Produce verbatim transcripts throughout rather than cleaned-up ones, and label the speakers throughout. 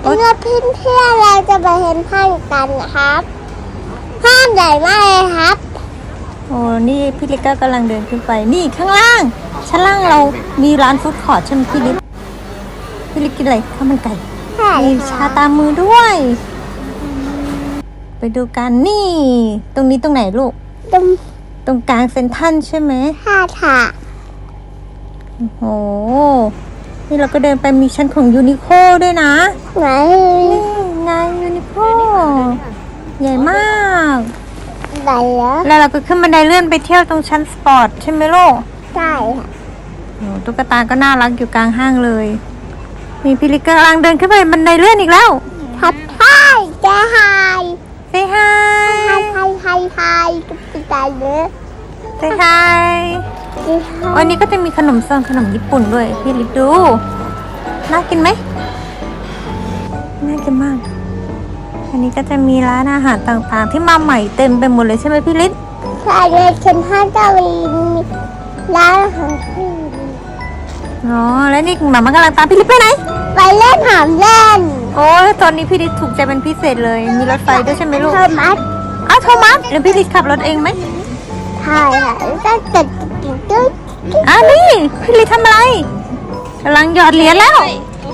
Speaker 1: เมื่อพี่เพื่อนเราจะไปเห็นห้างกันนะครับห้างใหญ่มากเลยครับ
Speaker 2: โอ้นี่พี่ลิกก็กำลังเดินขึ้นไปนี่ข้างล่างชั้นล่างเรามีร้านฟู้ดคอร์ทใช่ไหมพี่ลิกพี่ลิกกินอะไรข้าวมันไก่มีชาตามมือด้วยไปดูกันนี่ตรงนี้ตรงไหนลูก
Speaker 1: ตรง
Speaker 2: ตรงกลางเซ็นทรัลใช่ไหม
Speaker 1: ค่ะค่ะ
Speaker 2: โอ้โหนี่เราก็เดินไปมีชั้นของยูนิโคด้วยนะ
Speaker 1: ไหน
Speaker 2: นี่ไงยูนิโคใหญ่มาก
Speaker 1: ไหนแล้ว
Speaker 2: แล้วเราก็ขึ้นบันไดเลื่อนไปเที่ยวตรงชั้นสปอร์ตใช่ไหมลูก
Speaker 1: ใช่ค่ะ
Speaker 2: โอ้ตุ๊กตาก็น่ารักอยู่กลางห้างเลยมีพี่ลิกกำลังเดินขึ้นไปบันไดเลื่อนอีกแล้ว
Speaker 1: ทักทายเจ้าไฮ
Speaker 2: เซฮา
Speaker 1: ยไฮไฮไฮไฮตุ๊กตาเนื้อ
Speaker 2: เซฮายวันนี้ก็จะมีขนมซองขนมญี่ปุ่นด้วยพี่ลิกดูน่ากินไหมน่ากินมากอันนี้ก็จะมีร้านอาหารต่างๆที่มาใหม่เต็มไปหมดเลยใช่ไหมพี่ลิศ
Speaker 1: ใช่เลยเซ็นทรัลก็มีร้านอาหาร
Speaker 2: อ๋อแล้วนี่หมามากำลังตามพี่ลิศไปไหน
Speaker 1: ไปเล่นหามเล่น
Speaker 2: โอ้ตอนนี้พี่ลิศถูกใจเป็นพิเศษเลยมีรถไฟด้วยใช่ไหมลูก
Speaker 1: โทมัส
Speaker 2: อ้าวโทมัสแล้วพี่ลิศขับรถเองไหม
Speaker 1: ใช่ค่ะก็ติดติดตึ๊ด
Speaker 2: อ้าวนี่พี่ลิศทำอะไรกำลังหยอดเหรียญแล้ว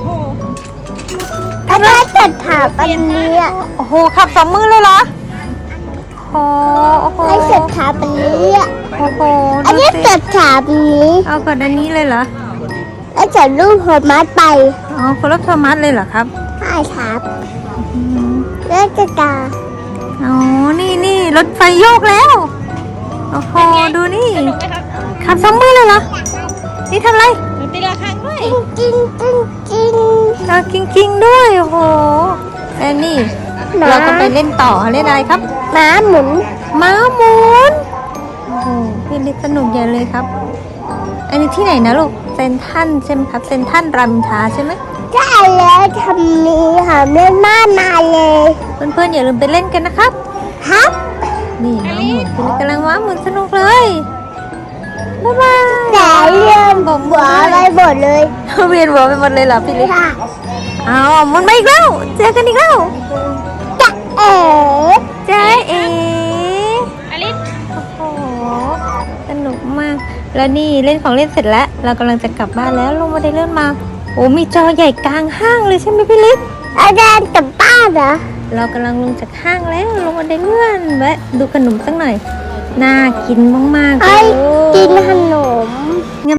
Speaker 1: ถ้าเราจัดถาปันนี้อ่ะ
Speaker 2: โอ้โหขับสองมือเลยเหรอโอ้โห
Speaker 1: ให้จัดถาปันนี้อ่ะ
Speaker 2: โอ้โห
Speaker 1: อันนี้จัดถาปันนี้
Speaker 2: เอาก่อนอันนี้เลยเหรอ
Speaker 1: แล้วจัดรูปโทมัสไป
Speaker 2: อ๋อคนรับโทมัสเลยเหรอครับ
Speaker 1: ใช่ครับแล้วจะตา
Speaker 2: อ๋อนี่นี่รถไฟโยกแล้วโอ้โหดูนี่ขับสองมือเลยเหรอนี่ทำอะไรตีละครั้งด้วย
Speaker 1: จริงจริงจริง
Speaker 2: เรากิ้งกิ้งด้วยโอ้โหแอนนี่เราก็ไปเล่นต่อเล่นอะไรครับ
Speaker 1: ม้าหมุน
Speaker 2: ม้าหมุนโอ้โหพี่ลิศสนุกใหญ่เลยครับอันนี้ที่ไหนนะลูกเซนทันใช่ไหมครับเซนทันรามอินทราใช่ไหม
Speaker 1: ใช่แล้วทำนี้ค่ะเล่นมากมายเลย
Speaker 2: เพื่อนๆอย่าลืมไปเล่นกันนะครับ
Speaker 1: ครับ
Speaker 2: นี่ม้าหมุนพี่ลิศกำลังม้าหมุนสนุกเลยบ๊ายบาย
Speaker 1: แต่เรื่องผมหัวอะไรหมดเลย
Speaker 2: เวียนหัวไปหมดเลยเหรอพี่ลิศอ้าวมันมาอีกแล้วเจอกันอีกแล้ว
Speaker 1: จ๊ะเอ๋
Speaker 2: จ๊ะเอ๋อลิศโอ้โหสนุกมากแล้วนี่เล่นของเล่นเสร็จแล้วเรากำลังจะกลับบ้านแล้วลงมาได้เลื่อนมาโอ้มีจอใหญ่กลางห้างเลยใช่ไหมพี่ลิศ
Speaker 1: อาจารย์กลับบ้านเหรอ
Speaker 2: เรากำลังลงจากห้างแล้วลงมาได้เลื่อนแวะดูขนมสักหน่อยน่ากินมากๆเลย
Speaker 1: กินขนม